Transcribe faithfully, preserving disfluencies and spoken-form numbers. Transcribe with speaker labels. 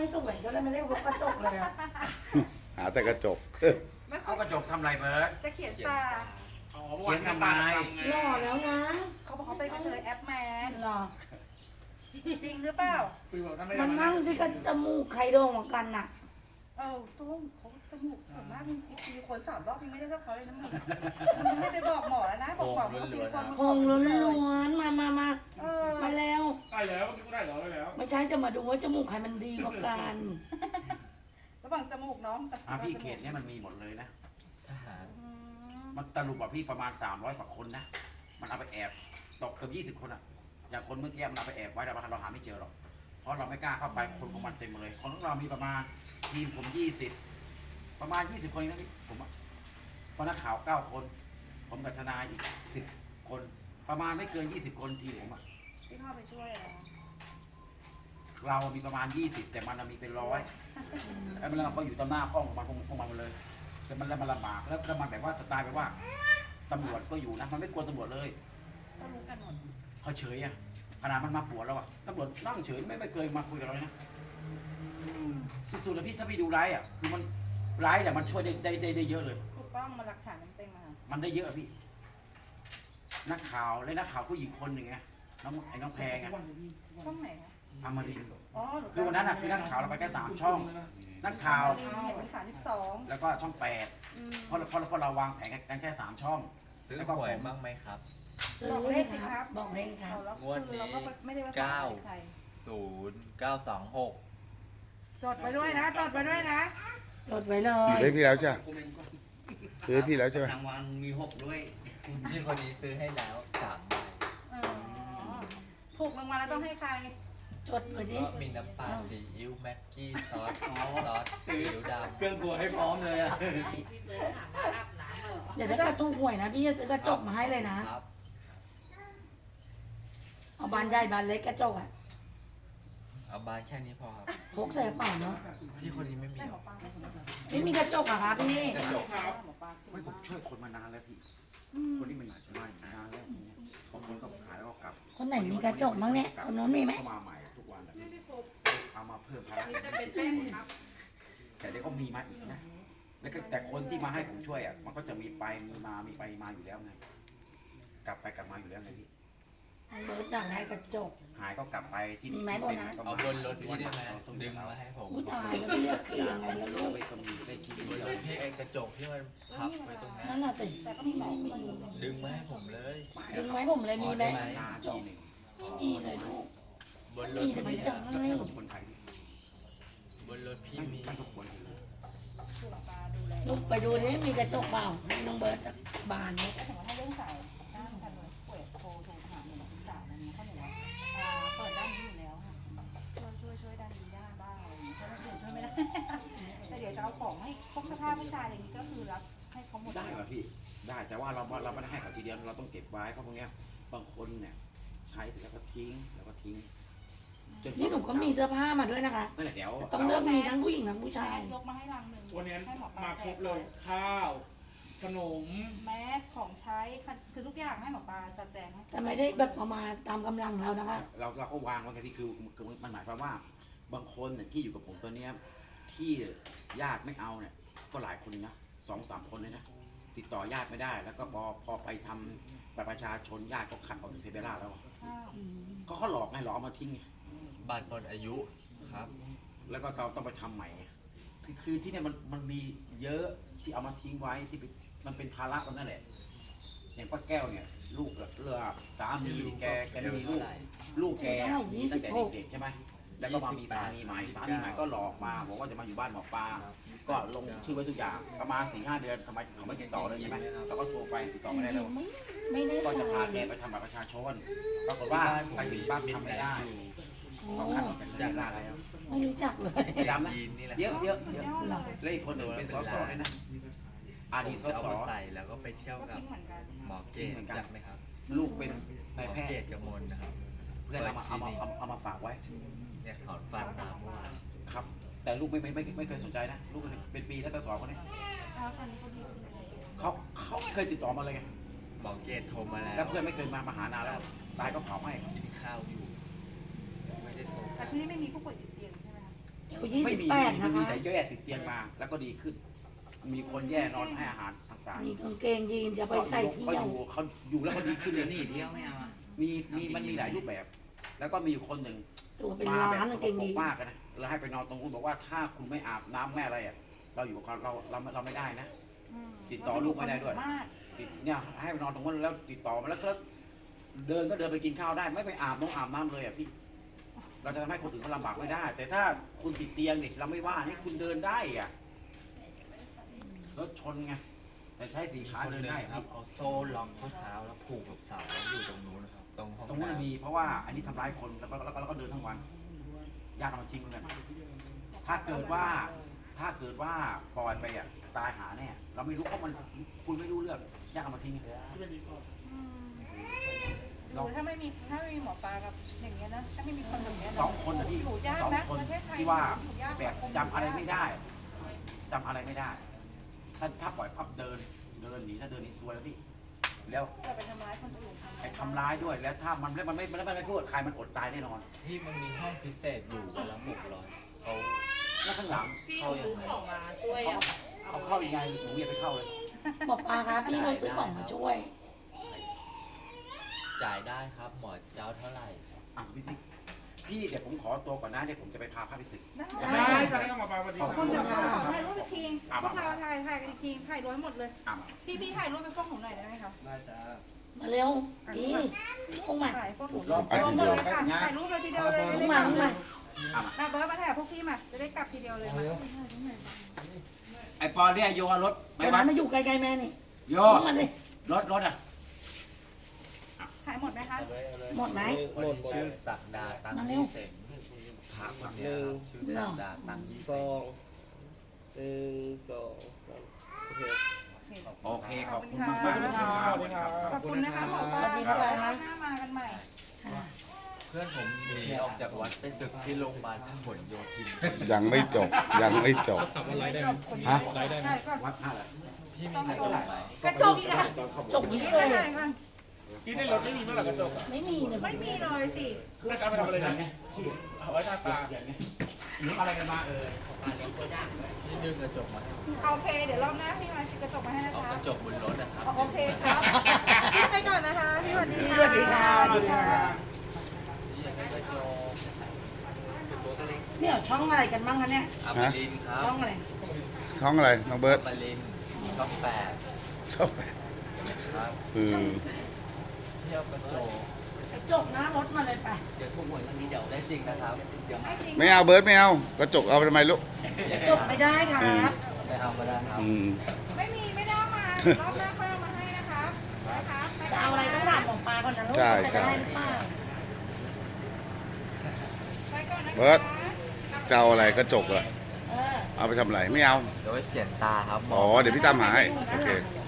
Speaker 1: ให้สวยก็เลยไม่เรียกว่ากระจกเลยอะ
Speaker 2: หาแต่กระจก
Speaker 3: ไม่ค่อ
Speaker 4: เอา
Speaker 3: ย
Speaker 4: กระจกทำไรเบิร์ด
Speaker 3: จะเขียนตา
Speaker 4: เขียนทำไม
Speaker 1: หล่อแล้วนะ
Speaker 3: เขาบอกเขาเป็นกระเทยแอปแมน
Speaker 1: หล่อ
Speaker 3: จริงหรือเปล่า
Speaker 1: มันนั่งที่กันจมูกใครโด่งกว่ากันน่ะ
Speaker 3: เออตุ้มเขาจมูกส่วนมากมีคนสามรอบยังไม่ได้เท่าเขาเลยนะมึงมึงไม่ไปบอกหมอแล้วนะบอกหมอว่าซิลิโคน
Speaker 1: คงล้วนๆมามามา
Speaker 3: เออ
Speaker 1: มาแล้ว
Speaker 5: ได้แล้วเมื่อกี้ก็ได้แล้วได้แล้ว
Speaker 1: ไม่ใช่จะมาดูว่าจมูกใครมันดีกว่ากัน
Speaker 3: ระหว่างจมูกน้องกับ
Speaker 4: อ่ะพี่เขตเนี่ยมันมีหมดเลยนะ
Speaker 6: ทหาร
Speaker 3: อืม
Speaker 4: มันตลุกว่าพี่ประมาณสามร้อยกว่าคนนะ มันเอาไปแอบตกเกือบยี่สิบคนอะอย่างคนเมื่อกี้มันเอาไปแอบไว้แต่ว่าเราหาไม่เจอหรอก เพราะเราไม่กล้าเข้าไปคนของมันเต็มเลย คนของเรามีประมาณทีมผมยี่สิบประมาณยี่สิบคนนะพี่ผมอะเพราะนักข่าวเก้าคน ผมกับทนายอีกสิบคน ประมาณไม่เกินยี่สิบคนทีมผมอะ
Speaker 3: ที่เข้าไปช่วยอะไรนะ
Speaker 4: เรามีประมาณยี่สิบแต่มันมีเป็นร้อยแล้วมันเราก็อยู่ตามหน้าห้องของมันของมันหมดเลยแต่มันแล้วมันลำบากแล้วแล้วมันแบบว่าสไตล์แบบว่าตำรวจก็อยู่นะมันไม่กลัวตำรวจเลย
Speaker 3: ก็รู้กันหมด
Speaker 4: เขาเฉยอะขนาดมันมาปวดแล้วอะตำรวจนั่งเฉยไม่ไม่เคยมาคุยกับเราเลยนะสุดๆเลยพี่ถ้าพี่ดูไลฟ์อะคือมันไลฟ์แต่มันช่วยได้ได้ได้ได้เยอะเลย
Speaker 3: ถูกต้องมาหลักฐานเต็มๆมา
Speaker 4: มันได้เยอะอะพี่ นักข่าวและนักข่าวผู้หญิงคนหนึ่งไงน้องไอ้น้องแพงไง
Speaker 3: ช่องไหนคะ
Speaker 4: อมรินทร์
Speaker 3: อ๋อหนู
Speaker 4: คือวันนั้นอะคือนักข่าวเราไปแค่สามช่อง นักข่าว
Speaker 3: เห็นเป็นสามสิบสอง
Speaker 4: แล้วก็ช่องแปดเพราะเพราะเพราะเราวางแผนกันแค่สามช่อง
Speaker 6: ซื้อ
Speaker 4: แล้วก็
Speaker 6: หวย
Speaker 4: ผม
Speaker 6: บ้างไหมครับ
Speaker 3: บอกเลขสิครับ
Speaker 1: บอกเลขครับ
Speaker 3: แล้ว
Speaker 6: งวดนี้
Speaker 3: เราก็ไม่ได้ว่า
Speaker 6: เก้า
Speaker 3: ใคร
Speaker 6: ศูนย์เก้าสองหก
Speaker 3: จดไปด้วยนะจดไปด้วยนะ
Speaker 1: จดไว้เล
Speaker 2: ซื้อย ให้พี่แล้วใช่ไหมซื้อให้พี่แล้วใช่ไหม
Speaker 7: รางวัลมีหกด้วย
Speaker 6: พี่คนนี้ซื้อให้แล้วสามใบ
Speaker 3: อ๋อถูกรางวัลแล้วต้องให้ใคร
Speaker 1: จดไว้ดิ
Speaker 6: ก็มีน้ำปลาซีอิ๊วแม็กกี้ซอสซอสซีอิ๊วดำ
Speaker 7: เครื่องครัวให้พร้อมเลยอ่ะ
Speaker 1: เดี๋ยวถ้าเกิดถูกหวยนะพี่จะซื้อกระจกมาให้เลยนะ
Speaker 6: ครับ
Speaker 1: เอาบานใหญ่บานเล็กกระจกอะ
Speaker 6: เอาบานแค่นี้พอครับ
Speaker 1: พกใส่กระเป๋าเนาะ
Speaker 6: พี่คนนี้ไม่มี
Speaker 3: ได้
Speaker 6: ห
Speaker 3: ห
Speaker 6: ร
Speaker 3: ม
Speaker 6: อ
Speaker 3: อปลาไหม
Speaker 1: ไม่มีกระจกอะคะพี่
Speaker 6: กระจก
Speaker 3: หมอปลา
Speaker 4: ไม่ผมช่วยคนมานานแล้วพี่ คนที่มันหนักมานานแล้วเนี่ยบางคนก็ขายแล้วก็กลับ
Speaker 1: คนไหนมีกระจกมั้งเนี่ยคนนู้นมีไหม
Speaker 4: เข้ามาใหม่ทุกวันแบบนี้เอามาเพิ่มภาระแต่เดี๋ยวก็มีมาอีกนะ แล้วก็แต่คนที่มาให้ผมช่วยอ่ะ มันก็จะมีไปมีมา มีไปมาอยู่แล้วไง กลับไปกลับมาอยู่แล้วไงพี่
Speaker 1: เบิร์ดอยากได้กระจก
Speaker 4: หายก็กลับไปที่
Speaker 1: มีไหมโบนัส
Speaker 6: เอาบนรถพี่ได้ไหมดึงมาให้ผม
Speaker 1: ผู้ตายแล้วพี่จะคือยังไงแล้วลูก
Speaker 4: ไปก็มีได้ชิ้น
Speaker 6: บน
Speaker 4: เดียว
Speaker 6: รถพี่ไอ้กระจกที่มันพับไว้ตรงนั้น
Speaker 1: นั่นน่ะสิ
Speaker 3: แต่ก็มีหมอคน
Speaker 6: ดึงมาให้ผมเลย
Speaker 1: ดึงไว้ผมเลยมีไหม
Speaker 4: นาทีหนึ่ง
Speaker 1: ไม่มีเลยลูก
Speaker 6: บนรถ
Speaker 1: มีแต่ไม่
Speaker 6: พี่
Speaker 1: จัง
Speaker 4: จะ
Speaker 1: ให้
Speaker 4: เป็นคนไทย
Speaker 6: บนรถพี่
Speaker 4: ไม่
Speaker 6: มี
Speaker 4: ไม่ทุกคน
Speaker 3: คือหมอปลาดูแล
Speaker 1: ลูกไปดูนี่มีกระจกเปล่าน้องเบิร์ดบานเนี่ย
Speaker 3: แล้วถึงว่าถ้าเรื่องสายด้านการป่วยโทรโทรหาหนึ่งสองสามอะไรเงี้ยเขาหนูว่าอ่าเปิดด้านนี้อยู่แล้วค่ะช่วยช่วยช่วยด้านนี้ได้บ้างอะไรอย่างเงี้ยถ้าไม่ช่วยช่วยไม่ได้ แต่เดี๋ยวจะเอาของให้พวกเสื้อผ้าผู้ชายอะไรอย่างงี้ก็คือรับให้เขาหมด
Speaker 4: ได้ป่ะพี่ ได้ แต่ว่าเราเราไม่ได้ให้เขาทีเดียว เราต้องเก็บไว้เพราะพวกเนี้ย บางคนเนี่ยใช้เสร็จแล้วก็ทิ้ง แล้วก็ทิ้งจ
Speaker 1: นี่หนูก็มีเสื้อผ้ามาด้วยนะคะ
Speaker 4: นั่นแหละเดี๋ยว
Speaker 1: ต้องเลือกมีทั้งผู้หญิงทั้งผู้ชาย
Speaker 3: ยกมาให้รังหนึ่ง
Speaker 5: วันนี้
Speaker 3: ให้หมอปลา
Speaker 5: มาครบเลย ข้าว ขนม
Speaker 3: แมสของใช้คือทุกอย่างให้หมอปลาจัดแจงให้
Speaker 1: แต่ไม่ได้แบบเอามาตามกำลังเรานะคะ
Speaker 4: เราเราก็วางไว้กันที่คือคือมันหมายความว่า บางคนเนี่ยที่อยู่กับผมตัวเนี้ยที่ญาติไม่เอาเนี่ยก็หลายคนนะสองสามคนเลยนะติดต่อญาติไม่ได้ แล้วก็พอพอไปทำบัตรประชาชนญาติก็คัดออกจากเทเบล่าแล้ว
Speaker 3: ข้าว
Speaker 4: ก็เขาหลอกไงหลอกเอามาทิ้งไง
Speaker 6: บัตรหมดอายุครับ
Speaker 4: แล้วก็เราต้องไปทำใหม่ไงคือคือที่เนี่ยมันมันมีเยอะที่เอามาทิ้งไว้ที่เป็นมันเป็นภาระตรงนั้นแหละอย่างป้าแก้วเนี่ย ลูกเรือสามีแกแกไม่มีลูก ลูกแกมีตั้งแต่เด็กๆใช่ไหมแล้วก็มามีสามีใหม่สามีใหม่ก็หลอกมาบอกว่าจะมาอยู่บ้านหมอปลาก็ลงชื่อไว้ทุกอย่างประมาณสี่ห้าเดือนทำไมเขาไม่ติดต่อเลยใช่ไหมเราก็โทรไปติดต่อไม่ได้แล้ว
Speaker 1: ไม่ไม่ได้
Speaker 4: ก็
Speaker 1: ใส่
Speaker 4: จะพาแกไปทำบัตรประชาชนปรากฏว่าไปถึงบ้านทำไม่ได้เขาคัดออกจากเทเบล่าแล้ว
Speaker 1: ไม่รู้จักเลย
Speaker 4: จำนะ
Speaker 6: ยีนนี่แหละ
Speaker 4: เยอะเยอะเยอะ
Speaker 3: ยอดเลย
Speaker 4: แล้วอีกคนหนึ่งเป็นสสด้วยนะอดีตส
Speaker 6: จะเอา
Speaker 4: ส
Speaker 6: มาใส่แล้วก็ไปเที่ยว
Speaker 3: ก็
Speaker 6: กับ
Speaker 3: ทิ้งเหมือนกัน
Speaker 6: หมอเกตจักไหมครับ
Speaker 4: ลูกเป็น
Speaker 6: หม
Speaker 4: นาย
Speaker 6: อ
Speaker 4: แพท
Speaker 6: เก
Speaker 4: ย์
Speaker 6: ตกมลนะครับ
Speaker 4: เพื่อนเอามาเอามาเอามาเอามาฝากไว้
Speaker 6: เนี่ยถอนฟันมาเมื่อวาน
Speaker 4: ครับ แต่ลูกไม่ไม่ไม่ไม่เคยสนใจนะ ลูกเป็นปีแล้วสสคนนี้
Speaker 3: แล้วตอนนี้ก็ดีขึ้นเลย
Speaker 4: เขาเขาไม่เคยติดต่อมาเลยไง
Speaker 6: หมอเกตโทรมาแล้ว
Speaker 4: แล้วเพื่อนไม่เคยมามาหานานแล้วตายก็เผาให้
Speaker 6: กินข้าวอยู่ ไม่ได้โทร
Speaker 3: แต่ที่นี่ไม่มีผู้ป่วยติดเตียงใช่ไหมคะ
Speaker 1: ยยี่
Speaker 4: ไม่
Speaker 1: สิบ
Speaker 4: มี
Speaker 1: แปด
Speaker 4: ไม่
Speaker 1: นะ
Speaker 4: มี
Speaker 1: คะ
Speaker 4: แต่แย่ติดเตียงมา แล้วก็ดีขึ้น มีคนแย่นอนให้อาหารทางสาย
Speaker 1: มีกางเกงยีนจะไปใส่เที่
Speaker 4: เขา
Speaker 1: ยว
Speaker 4: อยู่เขาอยู่แล้วเขาดีขึ้นเล
Speaker 7: เดี๋ย
Speaker 4: ยว
Speaker 7: หนีเที่ยวไม่เอาอ่ะ
Speaker 4: มีมีมันมีหลายรูปแบบ แล้วก็มีอยู่คนหนึ่ง
Speaker 1: ตัวเป็น
Speaker 4: มา
Speaker 1: ล้า
Speaker 4: แบบ
Speaker 1: น
Speaker 4: ส
Speaker 1: กาง
Speaker 4: ก
Speaker 1: เกง
Speaker 4: ปร
Speaker 1: ยี
Speaker 4: ก
Speaker 1: น
Speaker 4: มากอะนะแล้วให้ไปนอนตรงนู้นบอกว่าถ้าคุณไม่อาบน้ำแม่อะไรอ่ะเราอยู่กับเราเราเราไม่ได้นะ
Speaker 3: อืม
Speaker 4: ติดต่อลูกไม่ได้ด้วย
Speaker 3: มาก
Speaker 4: ติดเนี่ยให้ไปนอนตรงนั้นแล้วติดต่อมาแล้วก็เดินก็เดินไปกินข้าวได้ ไม่ไปอาบน้องอาบน้ำเลยอ่ะพี่ เราจะทำให้คนอื่นเขาลำบากไม่ได้ แต่ถ้าคุณติดเตียงเนี่ยเราไม่ว่านี่คุณเดินได้อ่ะรถชนไงแต่ใช้สี
Speaker 6: มี
Speaker 4: ขา
Speaker 6: คน
Speaker 4: เดิ
Speaker 6: ห
Speaker 4: น
Speaker 6: นึ่ง
Speaker 4: ได้
Speaker 6: ครับเอาโซ่ล็อกข้อเท้าแล้วผูกกับเสาแล้วอยู่ตรงนู้นนะครับตรงห้อง
Speaker 4: ตรงนู้น
Speaker 6: น้ำ
Speaker 4: มีเพราะว่าอันนี้ทำร้ายคนแล้วก็แล้วก็แล้วก็เดินทั้งวันญาติเอามาทิ้งเลยถ้าเกิดว่าถ้าเกิดว่าปล่อยไปอ่ะตายหาแน่เราไม่รู้เพราะมันคุณไม่รู้เรื่องญาติเอามาทิ้ง
Speaker 3: อืมหนูถ้าไม่มีถ้าไม่มีหมอปลากับอย่างเงี้ยนะถ้าไม่มีคนแบบเนี้ยนะ
Speaker 4: สองคนนะพี่
Speaker 3: อยู่ยาก
Speaker 4: สอง
Speaker 3: นะ
Speaker 4: คน
Speaker 3: ประเทศไทย
Speaker 4: ที่ว่า
Speaker 3: อยู่ยาก
Speaker 4: แบบจำอะไรไม่ได้จำอะไรไม่ได้ ถ้าถ้าปล่อยพับเดินเดินหนีถ้าเดินหนีซวยแล้วพี่แล้ว
Speaker 3: แต่ไปทำร้ายคนอื่น
Speaker 4: ไปทำร้ายด้วยแล้วถ้ามันแล้วมันไม่มันไม่พูดกับใครมันอดตายแน่นอน
Speaker 6: ที่มันมีห้องพิเศษอยู่วันละหกร้อยเขา
Speaker 4: แล้วข้างหลัง
Speaker 6: เข้ายังไง
Speaker 4: เขาเข้ายังไงหนูอย่าไปเข้าเลย
Speaker 1: หมอปลาครับพี่เขาซื้อของมาช่วย
Speaker 6: จ่ายได้ครับหมอเจ้าเท่าไหร่
Speaker 4: อ่ะพี่ติ๊กพี่เดี๋ยวผมขอตัวก่อนนะเดี๋ยวผมจะไปพาพระไปศึก
Speaker 3: ได้
Speaker 5: ได้จะได้ก็มาปาปฏิ
Speaker 3: ขอบ
Speaker 5: บัติ
Speaker 3: คุณเดี๋ยวขอถ่ายรูปอีกที
Speaker 4: อ่ะ
Speaker 3: พวกเราถ่ายถ่ายกันอีกทีถ่ายรวมหมดเลย
Speaker 4: อ่ะ
Speaker 3: พี่พี่ถ่ายรูปเป็นพวกหนูหน่อยได้ไหมคะ
Speaker 7: ได้จ้า
Speaker 1: มาเร็วพี่ลงมา
Speaker 3: ถ่ายพวกหนู
Speaker 4: รอบ
Speaker 3: รวมหมดเลยค่ะถ่ายรูปเลยทีเดียวเลย
Speaker 1: ล
Speaker 3: ได้
Speaker 1: ง
Speaker 3: ก
Speaker 1: มา
Speaker 3: ลับ
Speaker 1: ลงมา
Speaker 3: มาเบิร์ดมาถ่ายพวกพี่มาจะได้กลับทีเดียวเลยมา
Speaker 4: ไอปอนเนี่ยโยนรถไป
Speaker 1: เดี๋ยว
Speaker 4: วั
Speaker 1: นั้
Speaker 4: ด
Speaker 1: นมาอยู่ไกลๆแม่นี่
Speaker 4: โย
Speaker 1: ล
Speaker 4: น
Speaker 1: งมาดิ
Speaker 4: รถรถอ่ะ
Speaker 3: ถ่ายหมดไหมคะ
Speaker 1: หมดไหม
Speaker 6: คนที่ชื่อศักดาตัง
Speaker 1: มาเร็
Speaker 6: ยี่
Speaker 1: ว
Speaker 6: เสงพระคนเนี้ยครับชื่อศักดาตังยี่เส
Speaker 8: สอง งหนึ่งสองสามโอเค
Speaker 4: โอเคขอบคุณมากมากๆครับ
Speaker 3: ขอบคุณนะคะหมอปลา
Speaker 1: สวัสดีค่ะ
Speaker 3: หน้ามากันใหม่
Speaker 6: เพื่อนผมหนีออกจากวัดไปศึกที่โรงพยาบาลพหลโยธิน
Speaker 2: ยังไม่จบยังไม่จบ
Speaker 4: ฮะ
Speaker 3: ถ่ายก่อน
Speaker 4: วัดท่าอะไร
Speaker 6: พี่มีกระจกไหม
Speaker 3: กระจกนะ
Speaker 1: จบวิเศ
Speaker 3: ถ่าย
Speaker 1: ษ
Speaker 3: ก่อน
Speaker 5: ที่ในรถไม่มีเมื่อไหร่กระจกอ่ะ
Speaker 1: ไม่มีเลย
Speaker 3: ไม่มีเลยสิ
Speaker 5: แล้วจะเอาไปทำอะไรกันเอาไว้ทาตา
Speaker 4: หรืออะไรกันมาเออ
Speaker 6: ที่ดึงกระจกมาให้ผม
Speaker 3: โอเค เดี๋ยวรอบหน้าพี่มากระจกมาให้นะ
Speaker 6: เอา
Speaker 3: คะ
Speaker 6: กระจกบนรถนะครับ
Speaker 3: โอเคครับพี่ไปก่อนนะคะพี่สวัสดีค่ะ
Speaker 1: สวัสดีค่ะ
Speaker 3: สวัสดีค่ะ
Speaker 6: ที่อยากได้กระจก
Speaker 1: เนี่ยช่องอะไรกันบ้างคะเนี่ย
Speaker 6: อมรินทร์ครับ
Speaker 1: ช่องอะไร
Speaker 2: ช่องอะไรน้องเบิร์ต
Speaker 6: อมรินทร์ช่องแปด
Speaker 2: ช่อง
Speaker 6: ครับ
Speaker 2: คือ
Speaker 6: เที่ยวกระจก
Speaker 1: กระจกหน้ารถมาเลยไป
Speaker 7: เดี๋ยวถูกหวยวันนี้เดี๋ยว
Speaker 6: ได้จริงนะครับ
Speaker 7: เดี๋ยวมา
Speaker 3: ไม่จริง
Speaker 2: ไม่เอาเบิร์ตไม่เอากระจกเอาไปทำไมลูก
Speaker 1: กระจกไม่ได้ครับ
Speaker 6: ไม่เอาก็ได้ครับ
Speaker 2: อืม
Speaker 3: ไม่มีไม่ได้เอามารอบหน้าค่อยเอามาให้นะคะนะคะ
Speaker 1: จะเอาอะไรต้องถามหมอปลาก่อนนะลูก
Speaker 2: ใช่
Speaker 1: จะ
Speaker 2: ใช่
Speaker 1: ได้หรือเปล่า
Speaker 3: ไปก่อนนะคะ
Speaker 2: เบิร์ตจะเอาอะไรกระจกเหรอ
Speaker 1: เออ
Speaker 2: เอาไปทำอะไรไม่เอา
Speaker 6: เดี๋ยวไว้เขียนตาครับหม
Speaker 2: อ๋อเดี๋ยวพี่ตามหาให้โอเค
Speaker 1: เดี๋ยว